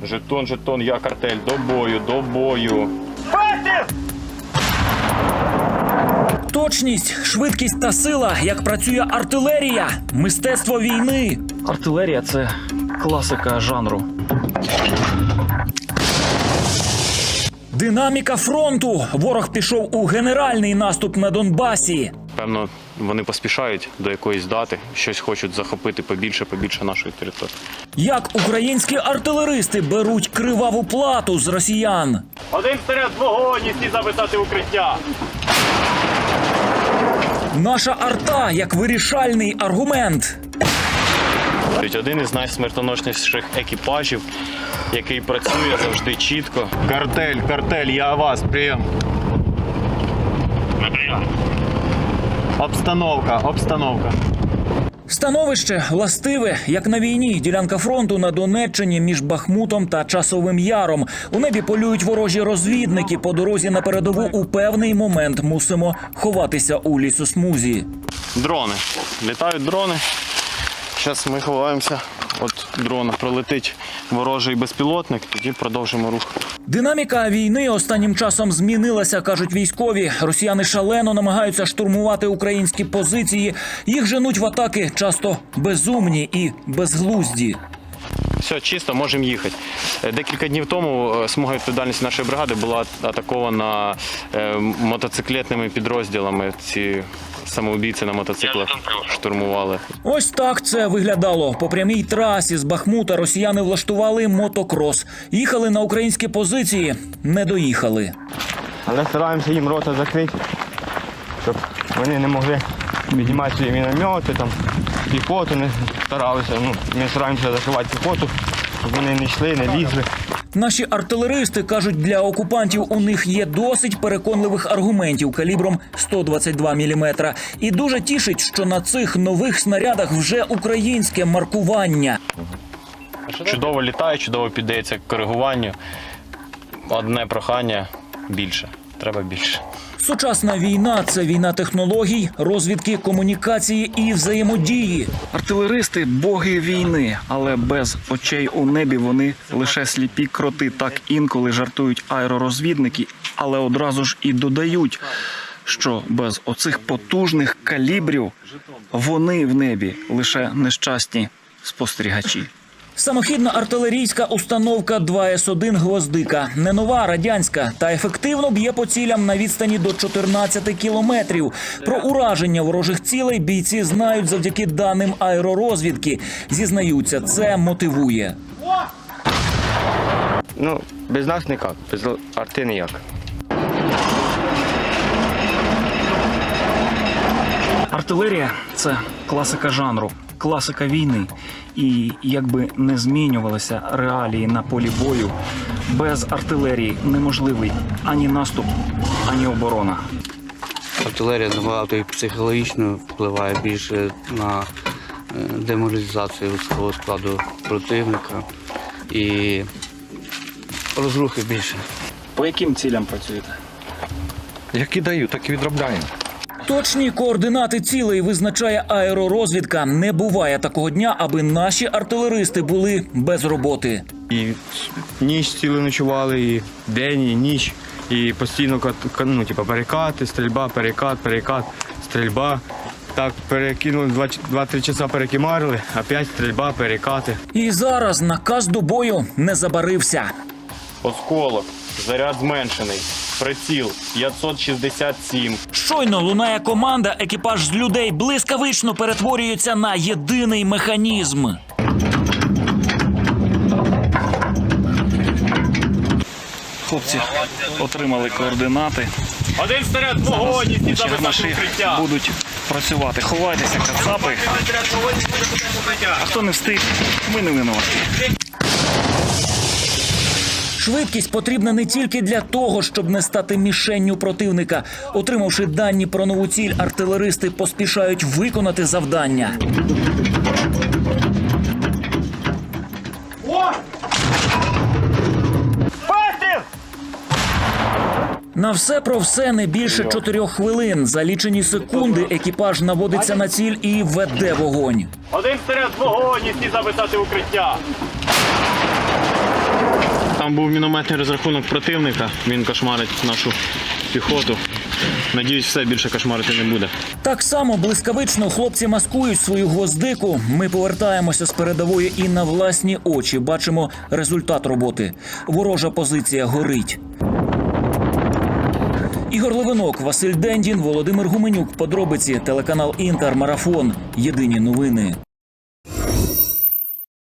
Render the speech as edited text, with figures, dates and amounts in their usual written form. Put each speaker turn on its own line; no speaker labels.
Жетон, жетон, я картель. До бою, до бою.
Точність, швидкість та сила, як працює артилерія, мистецтво війни. Артилерія – це класика жанру. Динаміка фронту. Ворог пішов у генеральний наступ на Донбасі.
Певно, вони поспішають до якоїсь дати, щось хочуть захопити побільше нашої території.
Як українські артилеристи беруть криваву плату з росіян.
Один вперед, вогонь, і всі записати укриття.
Наша арта як вирішальний аргумент.
Один із найсмертоносніших екіпажів, який працює завжди чітко. Картель, я вас, прийом. Обстановка.
Становище властиве, як на війні. Ділянка фронту на Донеччині між Бахмутом та Часовим Яром. У небі полюють ворожі розвідники. По дорозі на передову у певний момент мусимо ховатися у лісосмузі.
Дрони. Літають дрони. Зараз ми ховаємося. От дрона пролетить ворожий безпілотник, тоді продовжимо рух.
Динаміка війни останнім часом змінилася, кажуть військові. Росіяни шалено намагаються штурмувати українські позиції. Їх женуть в атаки часто безумні і безглузді.
Все, чисто, можемо їхати. Декілька днів тому смуга відповідальності нашої бригади була атакована мотоциклетними підрозділами. Ці самоубійці на мотоциклах штурмували.
Ось так це виглядало. По прямій трасі з Бахмута росіяни влаштували мотокрос. Їхали на українські позиції, не доїхали.
Але стараємося їм рота закрити, щоб вони не могли піднімати свої міномети, там, піхоту не старалися. Ми стараємося закривати піхоту, щоб вони не йшли, не лізли.
Наші артилеристи кажуть, для окупантів у них є досить переконливих аргументів калібром 122 мм. І дуже тішить, що на цих нових снарядах вже українське маркування.
Чудово літає, чудово піддається коригуванню. Одне прохання – більше. Треба більше.
Сучасна війна – це війна технологій, розвідки, комунікації і взаємодії. Артилеристи – боги війни, але без очей у небі вони лише сліпі кроти. Так інколи жартують аеророзвідники, але одразу ж і додають, що без оцих потужних калібрів вони в небі лише нещасні спостерігачі. Самохідна артилерійська установка 2С1 «Гвоздика». Не нова, радянська, та ефективно б'є по цілям на відстані до 14 кілометрів. Про ураження ворожих цілей бійці знають завдяки даним аеророзвідки. Зізнаються, це мотивує.
Без нас ніяк, без арти ніяк.
Артилерія – це класика жанру, класика війни. І якби не змінювалися реалії на полі бою, без артилерії неможливий ані наступ, ані оборона.
Артилерія набагато і психологічно впливає більше на деморалізацію людського складу противника і розрухи більше.
По яким цілям працюєте?
Які дають, так і відробляємо.
Точні координати цілей визначає аеророзвідка. Не буває такого дня, аби наші артилеристи були без роботи.
І ніч цілу ночували, і день, і ніч, і постійно перекати, стрільба, перекат, стрільба. Так, перекинули, 2-3 часа перекимарили, опять стрільба, перекати.
І зараз наказ до бою не забарився.
Осколок, заряд зменшений, приціл 567.
Щойно лунає команда, екіпаж з людей блискавично перетворюється на єдиний механізм. Хлопці отримали координати.
Один вперед, вогонь, і всі записати укриття.
Будуть працювати. Ховайтеся, кацапи. А хто не встиг, ми не винуваті. Швидкість потрібна не тільки для того, щоб не стати мішенню противника. Отримавши дані про нову ціль, артилеристи поспішають виконати завдання. На все про все не більше 4 хвилин. За лічені секунди екіпаж наводиться на ціль і веде вогонь.
Один вперед, вогонь, і всі записати укриття. Там був мінометний розрахунок противника. Він кошмарить нашу піхоту. Надіюсь, все більше кошмарити не буде.
Так само блискавично хлопці маскують свою гвоздику. Ми повертаємося з передової і на власні очі бачимо результат роботи. Ворожа позиція горить. Ігор Левинок, Василь Дендін, Володимир Гуменюк. Подробиці, телеканал Інтер, Марафон. Єдині новини.